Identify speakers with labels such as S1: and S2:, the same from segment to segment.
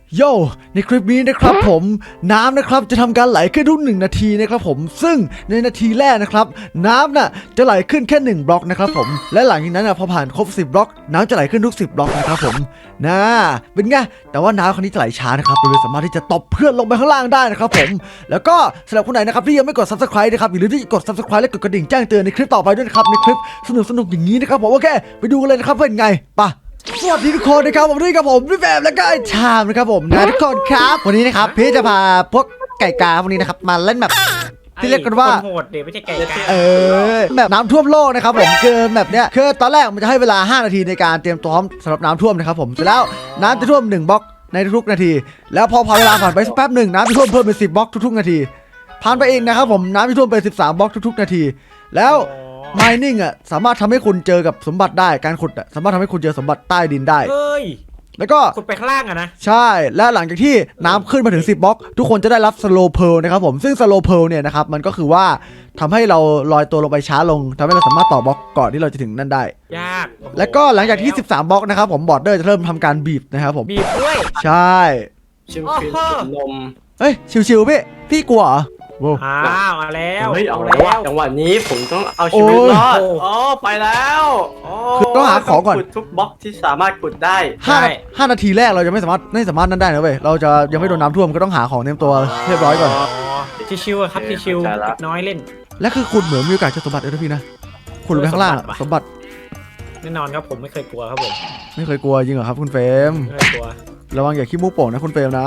S1: โย่ในคลิปนี้นะครับผมน้ำนะครับจะทำการไหลขึ้นทุก1นาทีนะครับผมซึ่งในนาทีแรกนะครับน้ำน่ะจะไหลขึ้นแค่1บล็อกนะครับผมและหลังจากนั้นพอผ่านครบ10บล็อกน้ำจะไหลขึ้นทุก10บล็อกนะครับผมนะเป็นไงแต่ว่าน้ำครั้งนี้จะไหลช้านะครับเราเลยสามารถที่จะตบเพื่อนลงไปข้างล่างได้นะครับผมแล้วก็สำหรับคนไหนนะครับที่ยังไม่กด Subscribe นะครับอย่าลืมที่กด Subscribe และกดกระดิ่งแจ้งเตือนในคลิปต่อไปด้วยนะครับในคลิปสนุกอย่างนี้นะครับผมโอเคไปดูกันเลยนะครับเป็นไงปะสวัสดีทุกคนนะครับผมด้วยกับผมพี่แฟมและก็ไอ้ชามนะครับผมนะทุกคนครับวันนี้นะครับพี่จะพาพวกไก่กาพวกนี้นะครับมาเล่นแบบที่เรียกกันว่า
S2: โหดเดี๋ยวไม่ใช่ไก่กา
S1: แบบน้ำท่วมโลกนะครับผมคือแบบเนี้ยคือตอนแรกมันจะให้เวลา5นาทีในการเตรียมตัวพร้อมสำหรับน้ำท่วมนะครับผมเสร็จแล้วน้ำจะท่วม1บล็อกในทุกๆนาทีแล้วพอเวลาผ่านไปสักแป๊บหนึ่งน้ำจะท่วมเพิ่มเป็น10บล็อกทุกๆนาทีผ่านไปเองนะครับผมน้ำจะท่วมเป็น13บล็อกทุกๆนาทีแล้วmining สามารถทำให้คุณเจอกับสมบัติได้การขุดสามารถทำให้คุณเจอสมบัติใต้ดินได้แล้วก็
S2: ขุดไปข้างล่างนะ
S1: ใช่และหลังจากที่น้ำขึ้นมาถึง10บล็อกทุกคนจะได้รับ slow pearl นะครับผมซึ่ง slow pearl เนี่ยนะครับมันก็คือว่าทำให้เราลอยตัวลงไปช้าลงทำให้เราสามารถต่อบล็อกก่อนที่เราจะถึงนั่นได้
S2: ยาก
S1: แล้วก็หลังจากที่13บล็อกนะครับผมบอร์ดเดอร์จะเริ่มทำการบีบนะครับผม
S2: บีบด้วย
S1: ใช่
S3: ชิวๆลม
S1: เฮ้ยชิวๆพี่กลัวเหรอ
S2: อ้าวมาแล้ว
S3: เฮ้ยเอาแล้วจังหวะนี้ผมต้องเอาชีวิตรอดอ๋อไปแล้ว
S1: คือต้องหาของก่อน
S3: ขุดทุกบล็อกที่สามารถขุดได้
S1: 5นาทีแรกเราจะไม่สามารถนั่นได้นะเว้ยเราจะยังไม่โดนน้ำท่วมก็ต้องหาของเตรียมตัวเรียบร้อยก่อน
S2: ชิวๆครับชิวๆน้อยเล่น
S1: และคือคุณเหมือนมีโอกาสเจอสมบัติด้วยนะพี่นะคุณลงไปข้างล่างสมบัติ
S2: แน่นอนครับผมไม่เคยกลัวครับผม
S1: ไม่เคยกลัวจริงเหรอครับคุณเฟรม
S2: ไม่เคยกลัว
S1: ระวังอย่าขี้มูกโป่งนะคุณเฟรมนะ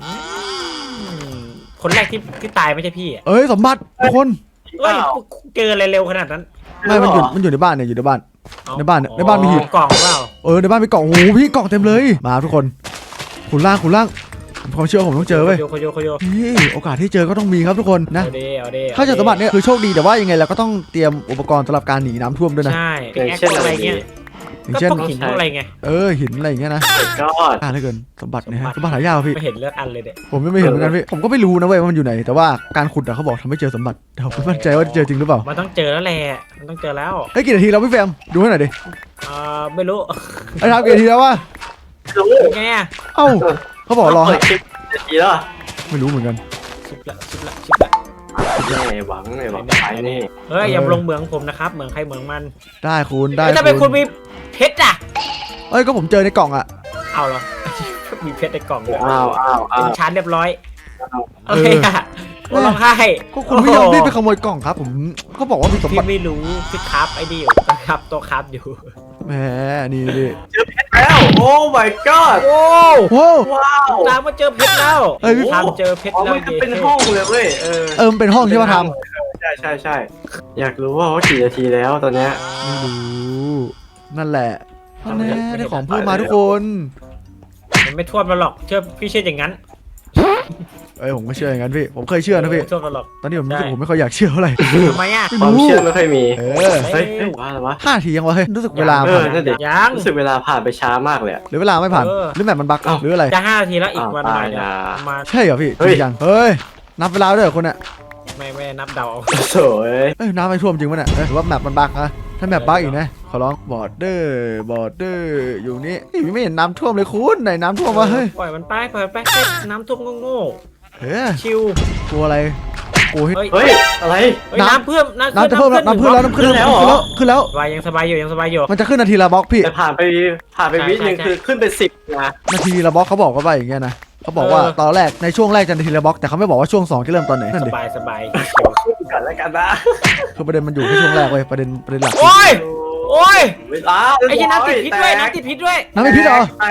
S2: คนแรกที่ตายไม่ใช่พี่
S1: เอ้ยสมบัติทุกคน
S2: เฮ้ยเจออะไรเร็วขนาดนั้น
S1: ไม่มันอยู่ในบ้านเนี่ยอยู่ในบ้านในบ้านมีหีบ
S2: กล่องเปล่า
S1: ในบ้านมีกล่องโอ้โหพี่กล่องเต็มเลยมาทุกคนขุดล่างผมเชื่อผมต้องเจอเว้ยนี่โอกาสที่เจอก็ต้องมีครับทุกคนนะถ้าเจอสมบัติเนี่ยคือโชคดีแต่ว่ายังไงเราก็ต้องเตรียมอุปกรณ์สำหรับการหนีน้ำท่วมด้วยนะ
S2: ใช่เช่นอะไรเงี้ยก็พวกหินพวกอะไรไง
S1: หินอะไรอย่างเงี้ยนะ
S3: ก็
S1: ถ้าเกินสมบัติเนี่ยสมบัติหายากพี่
S2: ไม่เห็นเลือกอันเลยเด็ก
S1: ผมยังไม่เห็นเหมือนกันพี่ผมก็ไม่รู้นะเว้ยว่ามันอยู่ไหนแต่ว่าการขุดเขาบอกทำให้เจอสมบัติแต่ผมไม่มั่นใจว่าเจอจริงหรือเปล่า
S2: มันต้องเจอแล้วแหละมันต้องเจอแล้ว
S1: เฮ้ยกี่นาทีแล้วพี่แฟมดูให้หน่อยดิ
S2: ไม่รู้
S1: ไอ้ทำกี่นาทีแล้ววะ
S3: รู้
S2: ไง
S1: เอ้าเขาบอกรอ
S3: นาทีแล้ว
S1: ไม่รู้เหมือนกัน
S2: ชิบละ
S3: ไม่หวังไปนี่
S2: อย่าลงเหมืองผมนะครับเหมืองใครเหมืองมัน
S1: ได้คุณได้
S2: ถ้าเป็นคุณมีเพชรอ่ะ
S1: ก็ผมเจอในกล่องอ่ะ
S2: เอาเหรอมีเพชรในกล่อง
S3: เป็น
S2: ชั้นเรียบร้อยโอเคร้องไห้
S1: ก็คุณไม่ยอมรีบไปขโมยกล่องครับผมก็บอกว่ามีสมบัติ
S2: พี่ไม่รู้พี่ครับไอ้ดิวครับตัวครับอยู่
S1: แหมนี่ดิ
S3: เจอเพชรแล้วโอ้ my god
S2: โอ้
S3: ว้าว
S2: ตามมาเจอเพชรแล้ว
S1: พี่
S2: ทำเจอเพชรแล้ว
S3: เป็นห้องเลยเว้ย
S1: มันเป็นห้องที่ว่าท
S3: ำใช่อยากรู้ว่ากี่นาทีแล้วตอนเนี้ย
S1: ไม่รู้นั่นแหละแน่ได้ของเพิ่มมาทุกคน
S2: มันไม่ท่วมหรอกเชื่อพี่เชื่ออย่างนั้น
S1: ผมไม่เชื่ออย่างนั้นพี่ผมเคยเชื่อนะพี่ตอนนี้ผมรู้สึกผมไม่ค่อยอยากเชื่อเท่าไหร่
S2: ทำไมอ่ะ
S3: ความเชื่อไม่ค่อยมี
S1: เฮ้ย
S3: ว่า
S1: 5 ทียังวะเฮ้ยรู้สึกเวลาผ่าน
S2: ยัง
S3: รู้สึกเวลาผ่านไปช้ามากเลย
S1: หรือเวลาไม่ผ่านหรือแบบมันบั๊กหรืออะไร
S2: จะ5 นาทีแล้วอีกวันหน่อย
S1: มาใช่เหรอพี่จริงจังนับเวลาด้วยคนน่ะ
S2: ไม่นับเดา
S3: สวย
S1: น้ำไม่ท่วมจริงมั้ยเนี่ยหรือว่าแมปมันบั๊กนะถ้าแมปบั๊กอีกนะขอร้องบอร์ดเดอร์อยู่นี่ไม่เห็นน้ำท่วมเลยคุณไหนน้ำท่วมวะเฮ้ย
S2: ปล่อยมันไปน้ำท่วมโง่ชิว
S1: กลัวอะไร
S3: โอ้ยอะไร
S2: น้ำเพิ่ม
S1: น้ำจะเพิ่มแล้วน้ำขึ้นแล้ว
S2: ยังสบายอยู่
S1: มันจะขึ้นนาทีละบล็อกพี่
S3: ผ่านไปวินึงคือขึ้นไป10นะ
S1: นาทีละบล็อกเขาบอกว่าไปอย่างเงี้ยนะเขาบอกว่าตอนแรกในช่วงแรกจะนาทีละบล็อกแต่เขาไม่บอกว่าช่วง2จะเริ่มตอนไหนนั่นดิ
S2: สบาย
S3: กันแล้วกันนะ
S1: คือประเด็นมันอยู่ที่ช่วงแรกเว้ยประเด็นหลัก
S2: โอ้ยไอ้ที่น้ำติดพิษด้วยน้ำติดพิษเหรอ
S1: น้ำติด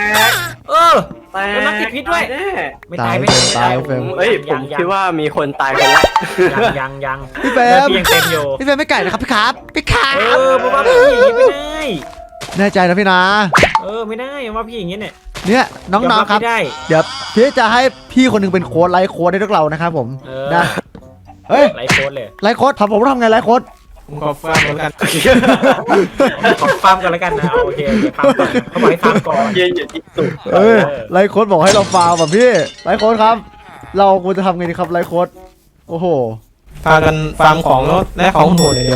S2: พิษด้วยไม่ตาย
S3: ผมคิดว่ามีคนตายคนละ
S2: ยัง
S1: พี่แฟม
S2: ยังเต็มอยู่
S1: พี่แฟมไม่ไก่นะครับพี่ครับ
S2: เพราะว่าพี่ไม่ได้
S1: แน่ใจนะพี่นะ
S2: ไม่ได้ว่าพี่อย่างเงี้ย
S1: เนี่ยน้องๆครับเดี๋ยวพี่จะให้พี่คนนึงเป็นโค้ดไลฟ์โค้ดให้พวกเรานะครับผมนะ
S2: ไลฟ์โค้ดเลย
S1: ไลฟ์โค้ดผมทำไงไลฟ์โค้ด
S3: ขอฟาร์มกันแล้ว
S2: กันนะโอเคฟาร์มก่อนเขาบอกให้ฟาร์มก่อน
S3: เย็นอยู่ที่สุด
S1: ไลฟ์โค้ดบอกให้เราฟาร์มแบบพี่ไลฟ์โค้ดครับเราควรจะทำไงดีครับไลฟ์โค้ดโอ้โห
S4: ฟาร์มของแล้วได้ของโหดเลยดีไหม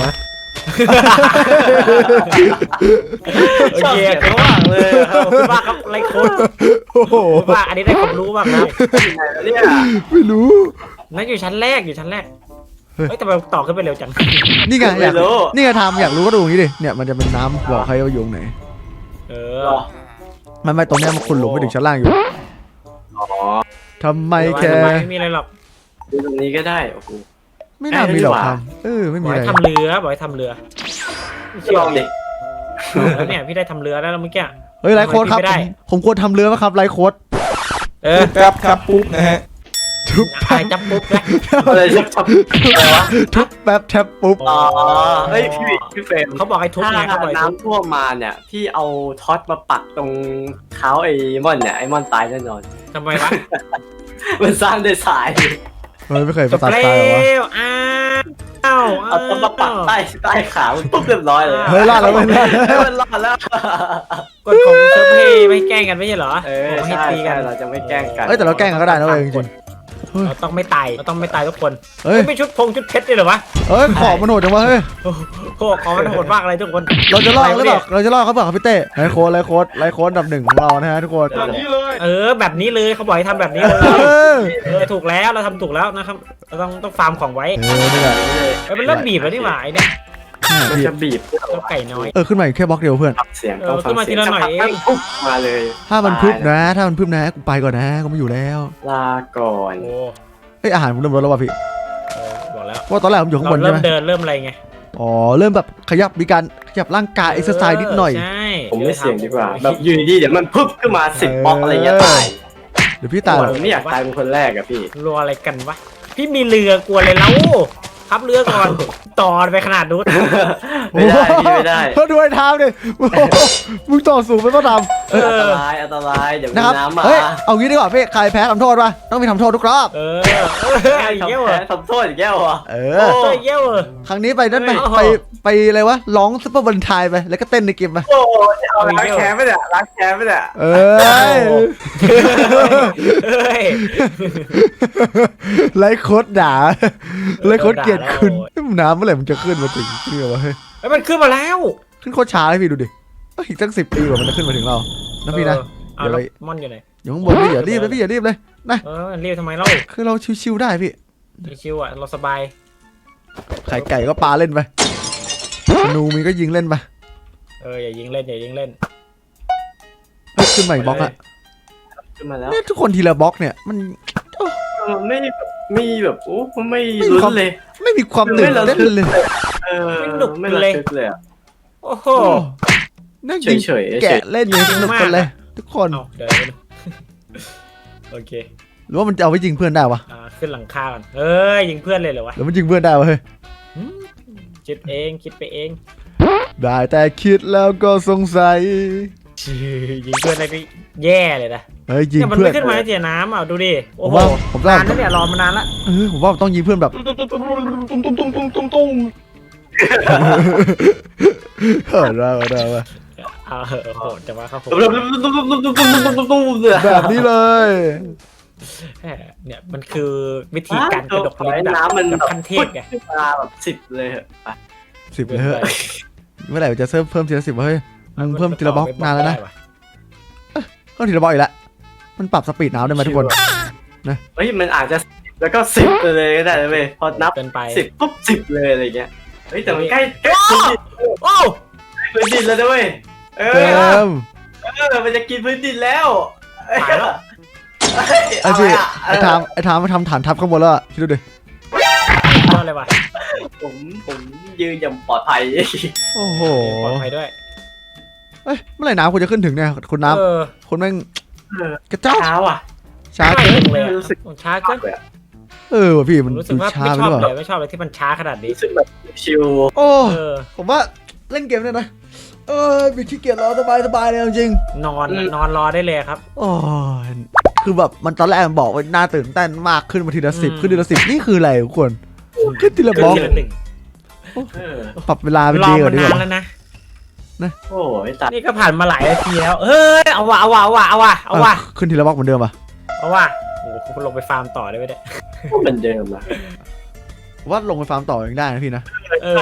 S2: โอ
S3: ชอบ
S2: เค
S3: เสียงเขามากเลย
S2: ขอบคุณมากครับไรโค้ด
S1: โอ้โห
S2: ว่าอันนี้ได้ความรู้มากนะ
S3: ที่ไหนแล้วเนี่ย
S1: ไม่รู้
S2: นั่นอยู่ชั้นแรกเฮ้ยแต่มันต่อขึ้นไปเร็วจัง
S1: นี่ไงอ
S3: ไม่
S1: ยาก
S3: รู้
S1: นี่ไงทำอยากรู้ก็ดูอย่างนี้ดิเนี่ยมันจะเป็นน้ำบอกให้ว่าอยู่ตรงไหน
S2: เอ
S3: หร
S2: อ
S3: อ
S1: ไม่ตรงเนี้ยมันคุณหลงไปถึงชั้นล่างอยู่
S3: อ๋อ
S1: ทำไมแค่
S2: ไม่มีอะไรหรอก
S3: ดูตรงนี้ก็ได้โอ้โห
S1: ไม่น่ามีหรอก
S3: ได้ดีกว่า
S1: ทำไม่
S2: บ
S1: มี
S2: อก
S1: อะไร
S2: ให้ทำเรือบอกให้ทำเรือ
S3: ลองดิ
S2: แล้วเนี่ยพี่ได้ทำเรือแล้วเมื่อกี้
S1: เฮ้ยไลฟ์โค้ดครับ
S2: ไม่ได้
S1: ผมควรทำเรือไหมครับไลฟ์โค้ด
S2: เออ
S4: ครับปุ๊บนะฮะ
S1: ทุบ
S2: ตายจับปุ๊บนะ
S3: อะไรชับอะไรวะ
S1: ทุบแป๊บแทบปุ๊บ
S3: อ๋อเฮ้ยพี่เฟรม
S2: เขาบอกให้ทุบไงเขาบอกให้ทุบ
S3: น้ำท่วมมาเนี่ยพี่เอาท็อตมาปักตรงเท้าไอ้มอนเนี่ยไอ้มอนตายแน่นอน
S2: ทำไมวะ
S3: มันสร้างด้วยสาย
S1: เฮ้ยไม่เคย
S2: จ
S1: ประ
S2: บ
S1: สาท
S2: แล้
S1: ตายเหรอวะ
S2: วอ้าว
S3: เอาต้องมาปักใต้ขามันปุ๊บเรียบร้อยเลย
S1: เฮ้ยรอดแล้วไม่รอด
S3: เฮ้ยมันรอดแล้ว
S2: กฎของเซิร์ฟไม่แกล้งกันไม่ใช่เหรอ
S3: เออ
S2: ไม่ให้
S3: ใช่
S2: ตีกั
S3: ใช่
S2: น
S3: เราจะไม่แกล้งกัน
S1: เอ้ยแต่เราแกล้งกันก็ได้นะเว้ยจริง
S2: เราต้องไม่ตายทุกคน
S1: ๆเฮ้ย
S2: ไม่ชุดชุดเพชรเลยเหรอวะ
S1: เอ้ยของมันโหดจังวะเฮ้ย
S2: โอ้โหของมันโหดมากเลยทุกคน
S1: เราจะรอดหรือเปล่าเราจะรอดเขาเปล่าครับพี่เต้ไลฟ์โค้ดอันดับหนึ่งของเรานะฮะทุกคน
S4: แบบนี้เลย
S2: แบบนี้เลยเขาบอกให้ทำแบบนี้เลย
S1: เออ
S2: ถูกแล้วเราทำถูกแล้วนะครับเราต้องฟาร์มของไว้
S1: นี่แหละ
S2: มันเริ่มบีบแล้วนี่หว่าไอ้เนี่ย
S3: มันจะบีบ
S2: เจ้าไก่น้อย
S1: ขึ้นมาอีกแค่บล็อกเดียวเพื่อน
S3: ฟังเสียงต้องฟัง
S2: ขึ้นมาที
S3: เสียง
S2: ละหน่อย
S3: สักพักปุ๊บมาเลย
S1: ถ้ามันพึบนะกูไปก่อนนะกูไม่อยู่แล้ว
S3: ลาก่อน
S2: โอ้
S1: เฮ้ยอาหารผมเริ่มลดแล้วว่ะพี่
S2: บอกแล้ว
S1: ว่าตอนแรกผมอยู่ข้างบน
S2: เรา
S1: ใช่ไหม
S2: เดินเริ่มอะไรไง
S1: อ๋อเริ่มแบบมีการขยับร่างกายเอ็กซ์ไซส์นิดหน่อย
S2: ใช่
S3: ผมไม่เสี่ยงดีกว่าแบบอยู่ดีๆเดี๋ยวมันปุ๊บขึ้นมา10บล็อกอะไรเงี้ยตาย
S1: เดี๋ยวพี่ตาย
S3: ผมไม่อยากตายเป็นคนแรกอะพี่
S2: รออะไรกันวะพี่มีเรือกลัวเลยแล้วพับเรือก่อนต่อไปขนาดนู้น
S3: ไม่ได้พี่ไม่ได้
S1: เฮ้ยดูไอ้ทามดิโอ้โหมึงต่อสูงไปก็ทำ
S3: อันตรายเดี๋ยวมี
S1: นะครับ
S3: น้ำมา
S1: เฮ้ยเอางี้ดีกว่าพี่ใครแพ้ทำโทษป่ะต้องมีทำโทษทุกรอบ
S2: ไอ้เหี้ย
S3: ทำ
S2: เหร
S3: แพ้
S2: อ
S3: ทำโทษอีกแก้วอ่ะ
S1: เอ
S2: เอ
S1: อ
S2: อเหี้ยเหรอ
S1: ครั้งนี้ไปนั่นไป
S2: เฮ้ย
S1: ไปอะไรวะร้องซุปเปอร์บันทายไปแล้วก็เต้นในเกมไป
S3: โอ้เอาล้างแค้นไม่ได้ล้างแค้นไม่ได้
S1: เอ้ย
S2: เฮ้ย
S1: ไล่โคตรด่าไล่โคตรเกลียดคุณน้ำเมื่อไหร่มันจะขึ้นมาถึงเรือวะเฮ้ย
S2: ไอ้มันขึ้นมาแล้ว
S1: ขึ้นโคตรช้าเลยพี่ดูดิอีกตั้ง10 ปีกว่ามันจะขึ้นมาถึงเรานะพี่นะ
S2: เอาแล้วมอนอยู่ไหน
S1: อยู่ข้างบนพี่อย่ารีบเลยพี่อย่ารีบเลย
S2: เรียกทำไมเล่า
S1: คือเราชิวๆได้พี่
S2: ชิวๆอ่ะเราสบาย
S1: ไข่ไก่ก็ปาเล่นไปธนูมีก็ยิงเล่นไป
S2: อย่ายิงเล่น
S1: เฮ้ยขึ้นมาอีกบล็อกอะ
S3: ขึ้นมาแล้ว
S1: เนี่ยทุกคนทีละบล็อกเนี่ยมัน
S3: ไม่แบบโอ้ไม่
S1: ไม่มี
S3: ลุ้
S1: ความ
S3: นเลย
S1: ไม่มีความตื่นเต้นเลย
S3: ไม่ระทึกเลยอ่ะ
S2: โอ้โห
S1: นั่ง
S3: เฉ
S1: ยิ
S3: ย
S1: ง
S3: เฉย
S1: แกะเล่นอย่างสนุกกันเลย ทุกคน
S2: เอาเดี๋ยวโอเค
S1: หรือว่ามันจะเอาไปยิงเพื่อนได้วะ
S2: ขึ้นหลังคาก่อนยิงเพื่อนเลยเหรอวะ
S1: หรือมันยิงเพื่อนได้วะเฮ้ย
S2: คิดไปเอง
S1: ได้แต่คิดแล้วก็สงสัย
S2: ยิงเพื่อนอะไรก็แย่เลยนะ
S1: เฮ้ยยิง
S2: เนี่ยมัน
S1: เพื่อ
S2: ไม่
S1: น
S2: ขึ้นมาให้เสียน้ำดูดิโอ้โห
S1: ผมว่า
S2: นานแล้วเนี่ยรอมานานละ
S1: ผมว่าต้องยิงเพื่อนแบบ ได้วะ
S2: โหจะว่าเขาโห
S1: แบบนี้เลย
S2: เนี่ยมันคือวิธีการกระดกลิ้น
S3: น้ำมัน
S2: แบบขั้นเทพไง
S3: ขึ้นมาแบบ10เลยเหรอ
S1: 10เลยเฮ้ยเมื่อไหร่จะเพิ่มทีละ10เฮ้ยมึงเพิ่มทีละบล็อกนานแล้วนะเพิ่มทีละบล็อกอีกแล้วมันปรับสปีดน้ำได้ไหมทุกคน
S3: เฮ้ยมันอาจจะแล้วก็10เลยก็ได้เว้ยพอนับ
S2: เกินไป
S3: 10ปุ๊บ10เลยอะไรเงี้ยเฮ้ยแต่มันใกล้
S2: โอ้
S3: พื้นดินแล้วด้วย
S1: เติม
S3: มันจะกินพื้นดินแล้ว
S2: ตายแล้ว
S1: ไอ้พี่ไอ้ทามมาทำฐานทัพข้างบนแล้วคิดดูดิ
S2: ยอดเลยว่ะ
S3: ผมยืนอย่างปลอดภัย
S1: โอ้โห
S2: ปลอดภัยด้วย
S1: เอ้ยเมื่อไหร่น้ำคุณจะขึ้นถึงเนี่ยคุณน้ำคุณแม่งกระเจ้า
S3: เช้าอ่ะ
S1: ช้า
S2: ช้า
S1: เกิน
S2: เลยช้าเกิน
S1: ว่ะพี่มัน
S2: รู้สึก
S1: ดู
S2: ว่า
S1: ช้า
S2: ไม่
S1: ไป
S2: ช
S1: ห
S2: อบ
S1: รือเปล่า
S2: เลยไม่ชอบเลยที่มันช้าขนาดนี้
S3: รู้สึกแบบชิล
S1: โอ้
S2: เ
S1: ผมว่าเล่นเกมเนี่ยนะบิดขี้เกียจรอสบายเลยจริง
S2: นอนรอได้เลยครับ
S1: โอ้คือแบบมันตอนแรกมันบอกว่าน่าตื่นเต้นมากขึ้นมาทีละ10ขึ้นทีละ10นี่คืออะไรทุกคนขึ้นทีละบล็อก
S2: ทีละหนึ่ง
S1: ปรับเวลาเป็น
S2: รอ
S1: ดีก
S2: มา
S1: ว่าดีก
S2: นาน
S1: ว่า
S2: แล้วนะ
S3: โอ้ยตัด
S2: นี่ก็ผ่านมาหลายนาทีแล้วเฮ้ยเอาว่ะ
S1: ขึ้นทีละบล็อกเหมือนเดิมป่ะ
S2: เอาว่ะโอ้โหลงไปฟาร์มต่อได้ไหมเนี่ย
S3: เหมือนเดิมอ่ะ
S1: ว่าลงไปฟาร์มต่อยังได้นะพี่นะ
S2: เออ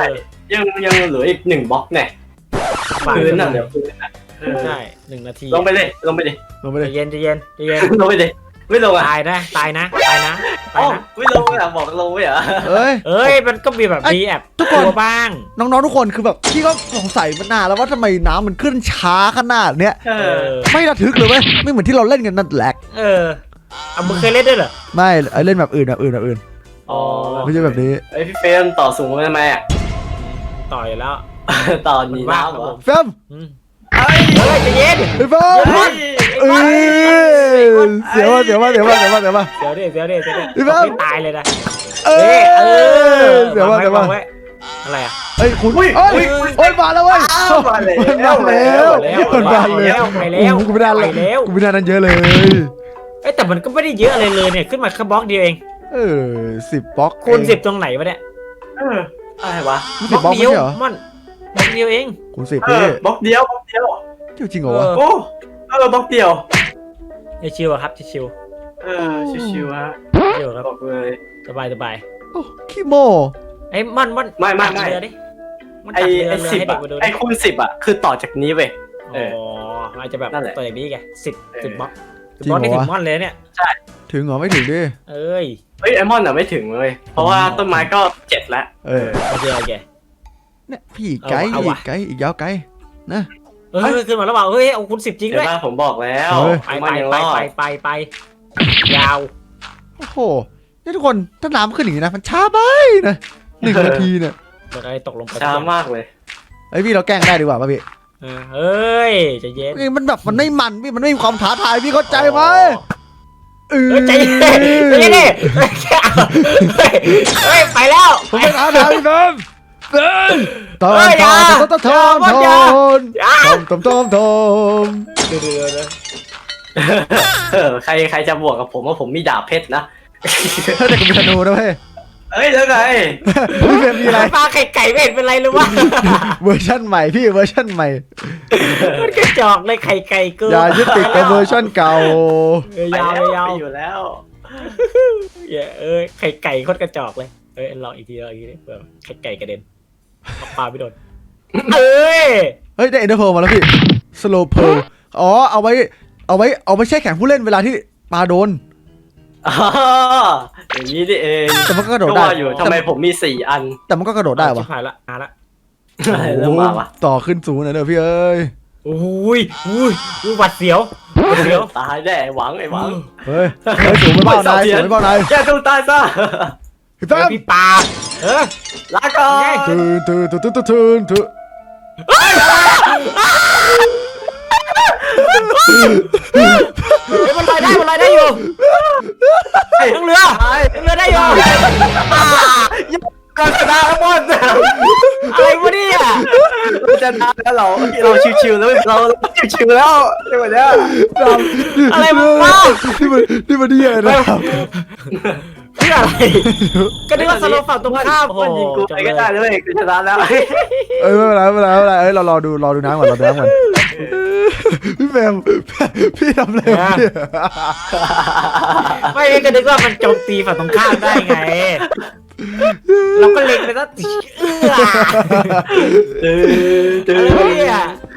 S3: ยังเหลืออีก1บล็อกเนี่ยพื้นน่ะเดี๋ยวพื้นน่ะ
S2: ใช่1 นาที
S3: ลงไปเลยลงไปดิ
S1: ลงไป
S2: ใจ
S1: เลย
S2: เย็นใจเย็นใจเย็น
S3: ลงไปดิไม่ลงอ่ะ
S2: ตายนะตายนะตายนะ
S3: อ๋อไม่ลงอ่ะบอกลงไม่เหรอ
S1: เอ้ย
S2: เอ้ยมันก็มีแบบมีแอบ
S1: ทุกคน
S2: ตัวบ้าง
S1: น้องๆทุกคนคือแบบพี่ก็สงสัยมานานแล้วว่าทำไมน้ำมันขึ้นช้าขนาดเนี้ย
S3: เออ
S1: ไม่ระทึกเลยเว้ยไม่เหมือนที่เราเล่นกันนั่นแหละ
S2: เอามึงเคยเล่นด้วยเหรอ
S1: ไม่เล่นแบบอื่นแบบอื่น
S3: อ๋อ
S1: ไม่ใช่แบบนี้
S3: ไอยพี่เฟรมต่อสูงไปทำไมอ่ะ
S2: ต่อยแล้ว
S3: ต่อ
S2: มั
S3: นี
S2: นว่าง
S3: น้ำ
S2: ค
S3: เห
S2: รับ
S3: ร
S2: ผ
S3: อ
S2: ม
S1: แฟม
S2: อืม
S3: เฮ้ย
S2: เฮ้ยใจเย็น
S1: ไอ้แฟม
S3: เฮ้ย
S1: เอ้ยเสียวมาเสียวมาเสียวมาเสียวมาเสียวมา
S2: เดี๋ยวดิเดี๋ยวดิเดี๋ยวดิ
S1: พี่เบิ้ม
S2: ไม่ตายเลยนะ
S1: เอ้ย
S2: เออ
S1: เสียวมาเสียวมา
S2: วงไว้อะไรอ่ะ
S1: เอ้ยคุณเอ้ยโอ้ยมาแล้วเว้ย
S3: อ้าวมาแล้ว
S1: มันมาแล้วมันมาแล้ว
S2: ไปแล้ว
S1: โอ้โหกูไม่ได้
S2: ไป
S1: เลย
S2: แล้ว
S1: กูไม่ได้นั้นเยอะเลย
S2: เอ้ยแต่มันก็ไม่ได้เยอะอะไรเลยเนี่ยขึ้นมาแค่บล็อกเดียวเอง
S1: 10บล็อก
S2: คูณ10ตรงไหนวะเนี่ย
S3: เอออะไรวะ
S1: 10บล็อกไม่
S2: เดียว
S1: ใช่เหรอ
S2: มันบล็อกเดียวเอง
S1: คูณ10
S3: เอ
S1: พี่
S3: อบล็อกเดียวบล็อกเดียว
S1: จริงเหรอวะ
S3: โอ้บล็อกเดียว
S2: ชิวๆอะครับชิว
S3: เออชิวๆฮะ
S2: ๆชิวครับ
S3: บอกเลย
S2: สบายสบาย
S1: โอ้ขี้โม
S2: ไอ้มัน
S3: ไม่
S2: ตัดเรือดิมัน
S3: ไอ
S2: ตัดเรือ
S3: ไอ
S2: เรือ
S3: 10
S2: ให้เด็
S3: อ่ะ
S2: กมาดู
S3: ไอ
S2: ดิ
S3: คูณ10อ่ะคือต่อจากนี้เว้ย เอ
S2: อ๋อ
S3: อ
S2: อาจจะแบบ
S3: นั่นแหละ
S2: ตัวอย่างนี้ไงสิบ
S3: เออ
S2: บล็อก10 บล็อกนี่ถึงมอนเลยเนี่ย
S1: ถึงเหรอไม่ถึงดิ
S2: เอ้ย
S3: เฮ้ยไอมอนอ่ะไม่ถึงเลยเพราะว่าต้นไม้ก็7แล้ว
S1: โอเค
S2: โอเค
S1: เนี่ยพี่อีกไกล
S2: เอา
S1: อี
S2: ว่ะ
S1: กไกลอีกยาวไกลนะ
S2: เฮ้ยขึ้นมาแล้วเปล่าเฮ้ยเอาคูณ10จริง
S3: เดี๋
S2: ด้วย
S3: วย ว่าผมบอกแล้ว
S1: เฮ้ย
S2: ไป
S3: ไอม
S2: ไป
S3: อนยัง
S2: ไป
S3: รอด
S2: ไปยาว
S1: โอ้โหนี่ทุกคนถ้าน้ำขึ้นอย่างนี้นะมันช้าไปนะ1 นาทีเนี่ย
S2: เดี๋ยวอะไรตกลงไป
S3: ช้ามากเลย
S1: ไอพี่เราแกล้งได้ดีกว่าป่ะพี่
S2: เฮ้ยใจเย็น
S1: เอ้ยมันแบบมันไม่มันพี่มันไม่มีความท้าทายพี่เข้าใจไหม
S2: เฮ้ยใจเย็นใจเย็นดิเฮ้ยไปแล้ว
S1: ผมไม่ท้าทายพี่เฟิร์มเฟิร์มตอน
S2: เฮ้ยอย่า
S1: ตอนตอน
S2: อย่า
S1: ตอนตอน
S2: เดี๋ยว
S3: ใครจะบวกกับผมว่าผมมีดาบเพชรนะ
S1: ถ้าแต่กูเป็นธนูนะเว้ย
S3: เอ้ยแล้วไง
S1: พี่เฟิร์มมีอะไร
S2: ปลาไข่ไม่เห็นเป็นไรเลยวะ
S1: เวอร์ชั่นใหม่พี่เวอร์ชั่นใหม่
S2: มันกระจอกเลยไข่ไก่กู
S1: อย่ายึดติดกับเวอร์ชั่นเก่า
S2: ยาว
S3: ไป
S2: ยาว
S3: อยู่แล้ว
S2: ไข่ไก่โคตรกระจอกเลยลองอีกทีเผื่อไข่ไก่กระเด็นปลาไม่โดนเอ้ย
S1: เฮ้ยได้เอ็นเดอร์โพมาแล้วพี่สโลเพลอ๋อเอาไว้แช่แข็งผู้เล่นเวลาที่ปลาโดน
S3: อ๋ออย่างนี้นี่เอง
S1: แต่มันก็กระโดด
S3: ก็
S1: ได้
S3: ว่าอยู่ทำไมผมมี4 อัน
S1: แต่มันก็กระโดดได้วะ
S2: ชิบหายละมาละ
S3: เริ่มมาวะ
S1: ต่อขึ้นสูงหน่อยเด้อพี่เอ้ย
S2: อุ้ยหวัดเสียวหวัดเสียว
S3: ตายแน่หวังไอ้หวัง
S1: เฮ้ยสูงไปเปล่านายสูงไปเปล่านาย
S3: แกต้องตายซะ
S1: พี่แป๊บ
S2: พี่ปลา
S3: ลาก่อน
S1: ตื่น
S2: มันลอยได้อยู่ทั้งเรือได้อยู่
S3: ก่อนชนะแล้วบอล
S2: อะไรวะเนี่ย
S3: เราชนะแล้วเราชิวๆแล้วเราชิวๆแล้วใช่ไหมเนี่ย
S2: อะไรวะ
S1: นี่มันดีอะไรนะครับ
S2: เพื่ออะไรก็นึกว่าสโลฝั่งตรงข้าม
S3: มันยิงกูไปก็ได้ด้วยกูชนะแล้ว
S1: ไม่เป็นไรเอ้ยเรารอดูน้ำก่อนพี่แฟมพี่ทำอะไรพี่
S2: ไม่ก็นึกว่ามันโจมตีฝั่งตรงข้ามได้ไงเราก็เล็งไปซะอะไรเนี่ย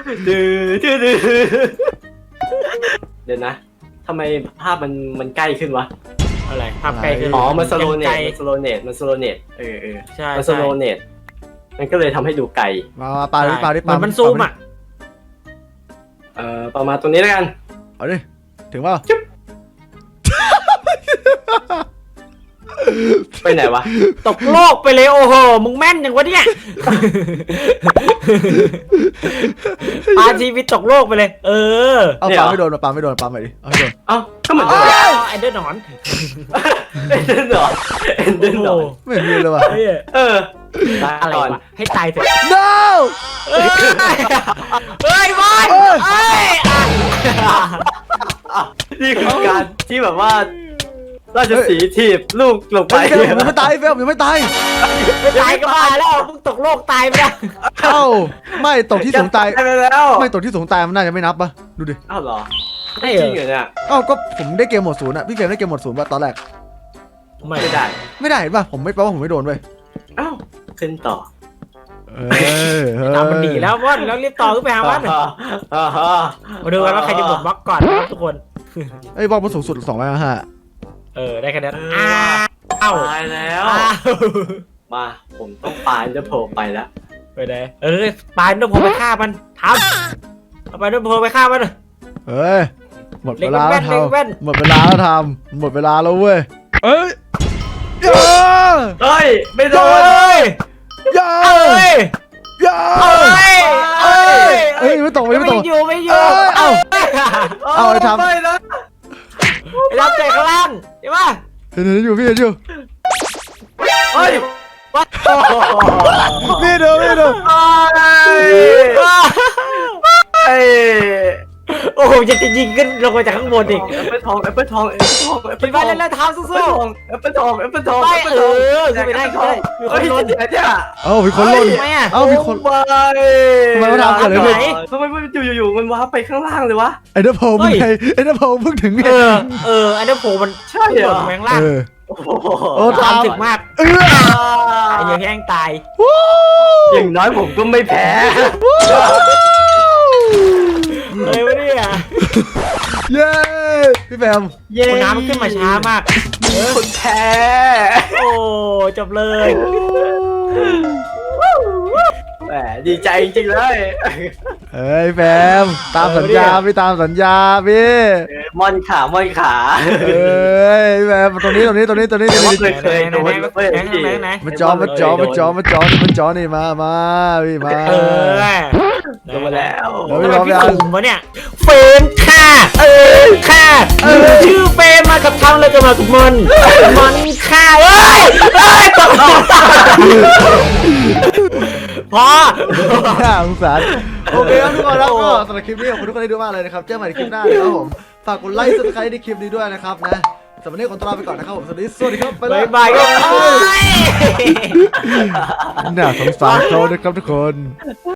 S3: เดี๋ยวนะทำไมภาพมันใกล้ขึ้นวะ
S2: อะไรภาพใกล้ขึ้น
S3: อ๋อมันสโลเน
S2: ไกล
S3: ตมันสโลเนต
S2: ใช่
S3: มันสโลเนตมันก็เลยทำให้ดูไกล
S1: มาปลาดิ
S2: เหมือนมันซูมอ่ะ
S3: ประมาณตรงนี้แล้วกัน
S1: เอาดิถึงว่า
S3: ไปไหนวะ
S2: ตกโลกไปเลยโอ้โหมึงแม่นอย่างวะเนี่ยปาชีวิตตกโลกไปเลย
S1: เอาปลาไม่โดนปลาไม่โดนปลาใหม่ดิเอาให้โดน
S3: เอ้าก็เหมือน
S2: ไอเดอร์หนอน
S3: เอ็นเดนหรอ
S1: ไม่มีเลยว่ะ
S3: ตาย
S2: อะไร
S3: ก่อน
S2: วะให้ตายเถอะ
S1: no
S2: เฮ้ยบอลเฮ้ย
S3: นี่คือการที่แบบว่าราชสีห์ถีบลูกลงไป
S1: เฟลยังไม่ตายเฟลยังไม่ตาย
S2: ไม่ตายก็มาแล้วมึงตกโลกตายไปแล้ว
S1: เอ้าไม่ตกที่สูงตาย
S3: ไปแล้ว
S1: ไม่ตกที่สูงตายมันน่าจะไม่นับปะดูดิ
S3: อ้าวเหรอจริงเหรอเนี่ย
S1: เอ้าก็ผมได้เกมหมดศูนย์อะพี่เฟรมได้เกมหมดศูนย์ป่ะตอนแรก
S3: ไม่ได้
S1: ไม่ได้เห็นป่ะผมไม่แปลว่าผมไม่โดนเว้ย
S3: อ้าวขึ้นต่อ
S2: ตามมันหนีแล้วม่อนแล้วรีบต่อขึ้นไปหามันมาดูกันว่าใครจะหมดบล็อกก่อนนะครับทุกคน
S1: ไอ้บล็อกมันสูงสุด205
S2: ได้คะแนนอ้าว
S3: ตายแล้ว มาผมต้องปาจะโผล่ไปแล้ว
S2: ไปไหนปลายนพไปฆ่ามันทำเอาไปนพไปฆ่ามัน
S1: เฮ้ยหมดเวลาแล้ว
S2: เล็งแว่น
S1: ทำหมดเวลาแล้วทำหมดเวลาแล้วเว้ยเอ้ยอย่า
S3: เฮ้ยไม่โด
S2: โด
S3: น
S2: น
S1: อย่า
S2: เอ้ย
S1: อย่า
S2: เอ้ย
S1: เอ้ยไม่ตกไม่ตก
S2: อยู่ไม่อยู่
S1: เอาไอ้ทำ
S3: ไม่นะ
S2: ไอ้รับใจข้างล่างใช่ปะ
S1: เห็นอยู่พี่เห็นอยู่
S3: เฮ้ย
S2: วัด
S1: พี่เดิน
S3: เฮ้ย
S2: โอ้โหจะยิงขึ้นลงมาจากข้างบนอีก
S3: แอปเปิลทองแอปเปิลทองแอปเปิลทองแอป
S2: ไป
S3: เปิลท
S2: ไป
S3: อง
S2: แล้วทำสู้
S3: แอปเปิลทองแอปเปิลทอง
S2: ๆไปขึ้นไปได้ขึ้นไปมีค
S3: เฮ้
S2: น
S3: ย
S2: ล้น
S3: เดี๋ยวเนี่ย
S1: เอ้ามีคนหล่น
S2: ทำไมอ่ะ
S1: เอ้ามีคน
S3: ไป
S1: ทำไมวะทำเกิดอะไรขึ้น
S3: ทำไมมันอยู่ๆมันว้าไปข้างล่างเลยวะ
S1: ไอ้เดอร์โพมึงไงไอ้เดอร์โพเพิ่งถึงเนี่ย
S2: อันนี้โผล่มัน
S3: ใช่เหรอ
S2: แมงล่าง
S3: โอ้โห
S1: โอ้
S2: ตามถึงมากไอ้เหี้ยแห้งตาย
S3: อย่างน้อยผมก็ไม่แพ้
S2: อะไรวะเนี่ย
S1: เย้พี่แบม
S3: เย้
S2: คนน้ำมันขึ้นมาช้ามาก
S3: คนแพ้
S2: โอ้จบเลย
S3: แหมดีใจจริงๆเลย
S1: เฮ้ยแบมตามสัญญาพี่ตามสัญญาพี่
S3: ม่อนขาม่อนขา
S1: เอ้ยแบมตรงนี้
S3: แต่ว่าเคยโดนเว้ยพี่
S2: ไหน
S1: มันจอนี่มาพี่มา
S3: โดนมาแล้ว
S2: ทำไมพี่ขุมวะเนี่ยเฟรมค่ะค่ะชื่อเฟรมมากับทำเลยก็มากับมันค่ะตกพอ
S1: น่าสงสารโอเคครับทุกคนครับก็สำหรับคลิปนี้ขอบคุณทุกคนที่ดูมากเลยนะครับเจอกันใหม่ในคลิปหน้านะครับผมฝากกดไลค์ซับสไครต์ในคลิปนี้ด้วยนะครับนะสำหรับวันนี้ขอตัวลาไปก่อนนะครับผมสวัสดีครับไปแล้ว
S2: บายก็
S1: น่าสงสารเขานะครับทุกคน